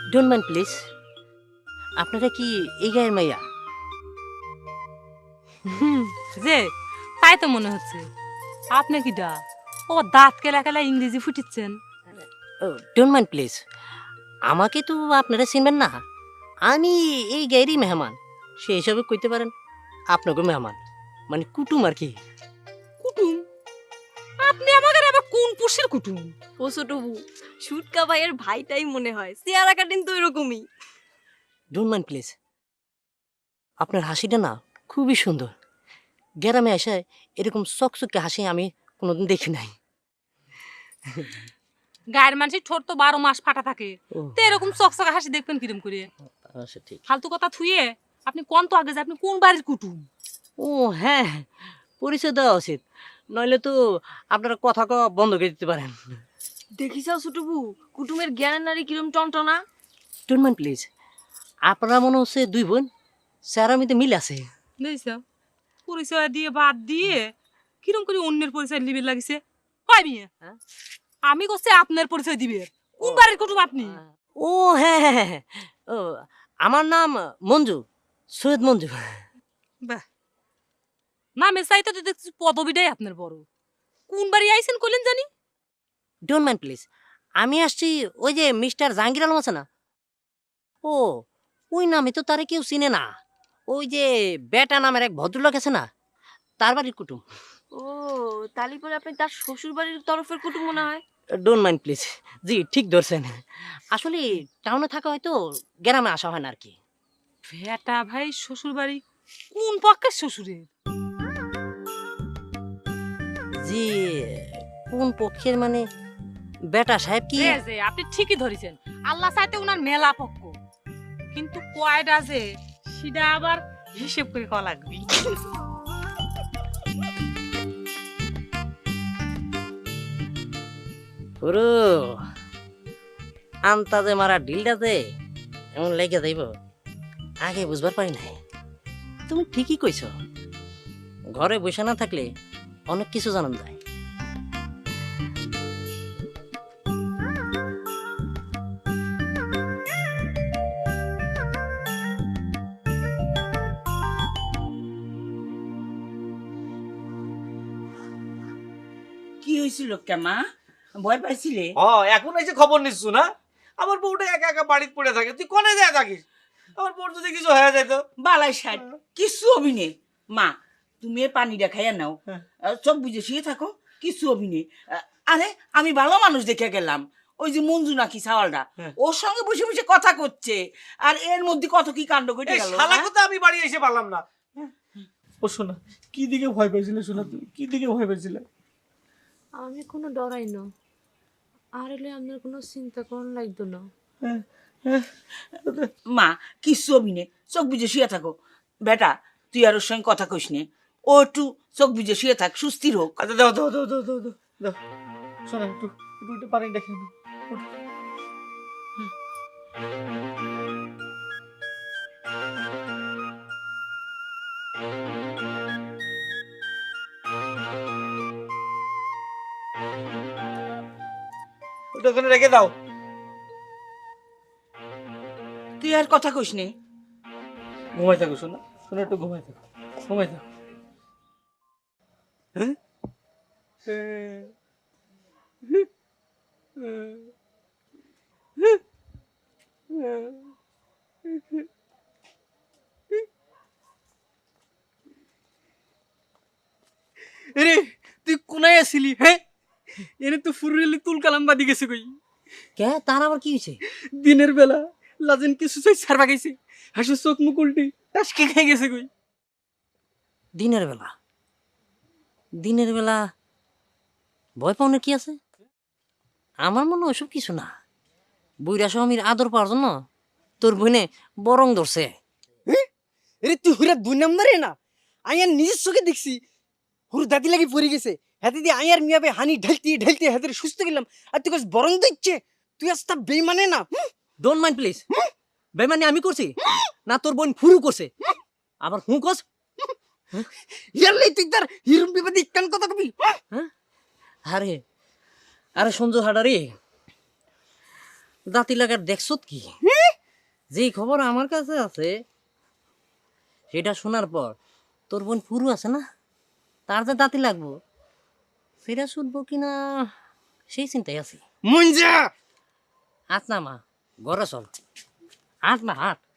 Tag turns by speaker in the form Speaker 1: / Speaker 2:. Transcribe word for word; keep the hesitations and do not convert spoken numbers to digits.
Speaker 1: Don't mind please, আপনারা কি এই গায়ের মাইয়া?
Speaker 2: হুম, যে তাই তো মনে হচ্ছে। আপনি কি ডা ও দাঁত কেলা কেলা ইংরেজি ফুটিচ্ছেন?
Speaker 1: ডোন্ট মাইন্ড প্লিজ, আমাকে তো আপনারা চিনবেন না। আমি এই গায়েরই মেহমান, সেই হিসাবে কইতে পারেন আপনাকে মেহমান, মানে কুটুম আর কি।
Speaker 2: কুটুম? আপনি আমাদের আবার কোন পুষের কুটুম?
Speaker 3: ও ছোট বউ, সুটকা ভাইয়ের ভাইটাই মনে হয়, চেহারা কাটিন তো এরকমই।
Speaker 1: ডোন্ট মাইন্ড প্লিজ, আপনার হাসিটা না খুবই সুন্দর। গ্রামে এসে এরকম চকচকে হাসি আমি কোনোদিন দেখি নাই।
Speaker 2: গায়ের মানুষের ঠোঁট তো বারো মাস ফাটা থাকে,
Speaker 1: ও
Speaker 2: তো এরকম চকচকা হাসি দেখবেন কিরম করে?
Speaker 1: আচ্ছা ঠিক।
Speaker 2: ফালতু কথা থুয়ে আপনি কোন তো আগে যে আপনি কোন বাড়ির কুটুম?
Speaker 1: ও হ্যাঁ, পরিচয় দেওয়া উচিত, নইলে তো আপনারা কথা কওয়া বন্ধ করে দিতে পারেন।
Speaker 3: দেখিসাও ছোট বউ, কুটুমের জ্ঞানের নারী কিরম টনটনা।
Speaker 1: ডোন্ট মাইন্ড প্লিজ, আপনারা মনে হচ্ছে দুই বোন, স্যারামিতে মিল আছে।
Speaker 2: দেখছ, পরিচয় দিয়ে বাদ দিয়ে কিরম করে অন্যের পরিচয় লিবে লাগিছে। হয় মিয়া,
Speaker 1: হ্যাঁ?
Speaker 2: আমি করছি আপনার পরিচয় দিবে। কোন বাড়ির কুটুম আপনি?
Speaker 1: ও হ্যাঁ হ্যাঁ হ্যাঁ, ও আমার নাম মঞ্জু, সৈয়দ মঞ্জু।
Speaker 2: বাহ, নামে চাইতে তো দেখছি পদবিটাই আপনার বড়। কোন বাড়ি আইছেন কইলেন জানি?
Speaker 1: ডোন্ট মাইন্ড প্লিজ, আমি আসছি ওই যে মিস্টার জাহাঙ্গীর আলম আছে না, ও ওই নামে তো তারে কেউ চিনে না। ওই যে বেটা নামের এক ভদ্রলোক আছে না, তার বাড়ির কুটুম।
Speaker 3: ও, তালি পরে আপনি তার শ্বশুর বাড়ির তরফের কুটুম মনে হয়।
Speaker 1: ডোন্ট মাইন্ড প্লিজ, জি ঠিক ধরছেন। আসলে টাউনে থাকা হয়তো গ্রামে আসা হয় না আর কি।
Speaker 2: ভেটা ভাই শ্বশুর বাড়ি কোন পক্ষের শ্বশুরের?
Speaker 1: জি কোন পক্ষের মানে বেটা সাহেব কি?
Speaker 2: যে যে আপনি ঠিকই ধরেছেন, আল্লাহ চাইতে উনার মেলা পক্ষ, কিন্তু কয়টা যে সেটা আবার হিসেব করে কওয়া লাগবে।
Speaker 1: পুরো আন্তাজে মারা ডিলটাতে এমন লেগে যাইব আগে বুঝবার পারি নাই। তুমি ঠিকই কইছ, ঘরে বসে না থাকলে অনেক কিছু জানান যায়।
Speaker 4: কি হয়েছিল কেমা, ভয় পাইছিলে?
Speaker 5: হ এখন এসে খবর নিচ্ছ না? আমার বউটা একা একা বাড়িতে পড়ে থাকে, তুই কোনে যায় থাকিস? আমার বউর যদি কিছু হয়ে যেত?
Speaker 4: বালাই ষাট কিছু অভিনে। মা তুমি এ পানিটা খাইয়া নাও, আহ, চোখ বুঝে শুয়ে থাকো, কিছু অভিনে। আরে আমি ভালো মানুষ দেখে গেলাম, ওই যে মঞ্জু নাকি সাওয়ালটা, ওর সঙ্গে বসে বসে কথা করছে, আর এর মধ্যে কত কি কাণ্ড ঘটে
Speaker 5: এই
Speaker 4: গেল।
Speaker 5: শালা কথা আমি বাড়ি এসে পারলাম না। ও শোনা, কি দিকে ভয় পেয়েছিলে? শোনা তুমি কি দিকে ভয় পেয়েছিলে?
Speaker 6: আমি কোনো ডরাই না, আর এলে আপনার কোনো চিন্তা করন লাগতো না।
Speaker 4: মা কিছু অভিনে, চোখ বুঝে শুয়ে থাকো। বেটা তুই আর ওর সঙ্গে কথা কইস নে, ও একটু চোখ বুঝে শুয়ে থাক, সুস্থির হোক।
Speaker 5: আচ্ছা দাও দাও দাও দাও দাও দাও দাও, শোনা একটু একটু একটু পানি দেখে নাও। ওটা ওখানে রেখে দাও।
Speaker 4: তুই আর কথা কইস নে।
Speaker 5: ঘুমাই থাকো শোনা, শোনা একটু ঘুমাই থাকো, ঘুমাই থাকো। হ্যাঁ
Speaker 7: এরে তুই কোনায় আসিলি? হ্যাঁ, এনে তো ফুরুলি তুল কালাম বাদি গেছে কই।
Speaker 1: কে তার আবার কি হয়েছে?
Speaker 7: দিনের বেলা লাজেন কিছু চাই সারবা গেছে, হাসে চোখ মুখ উল্টি টাসকে খাই গেছে কই।
Speaker 1: দিনের বেলা? দিনের বেলা ভয় পাওয়ার কি আছে? আমার মনে হয় ওসব কিছু না। বুইরা স্বামীর আদর পাওয়ার জন্য তোর বোনে বরং ধরছে।
Speaker 7: এরে তুই হুরা দুই নম্বরে না, আয়ার নিজের চোখে দেখছি হুর দাদি লাগি পড়ে গেছে, হাতে দিয়ে আয়ার মিয়াবে হানি ঢালতে ঢালতে হাতের সুস্থ গেলাম, আর তুই কাছে বরং দিচ্ছে। তুই আস্তা বেইমানে না।
Speaker 1: ডোন্ট মাইন্ড প্লিজ, বেমানি আমি করছি না তোর বোন ফুরু করছে? আবার হু কস?
Speaker 7: ইয়ারলে তুই তার হিরুম বিবাদী কান কথা কবি।
Speaker 1: হ্যাঁ আরে আরে সঞ্জু হাডারি, দাঁতি লাগার দেখছত কি যেই খবর আমার কাছে আছে সেটা শোনার পর তোর বোন পুরু আছে না, তার যে দাঁতি লাগবো সেটা শুনবো কিনা সেই চিন্তাই আছি।
Speaker 7: মুঞ্জা
Speaker 1: হাত না মা, ঘরে চল, হাত না হাত।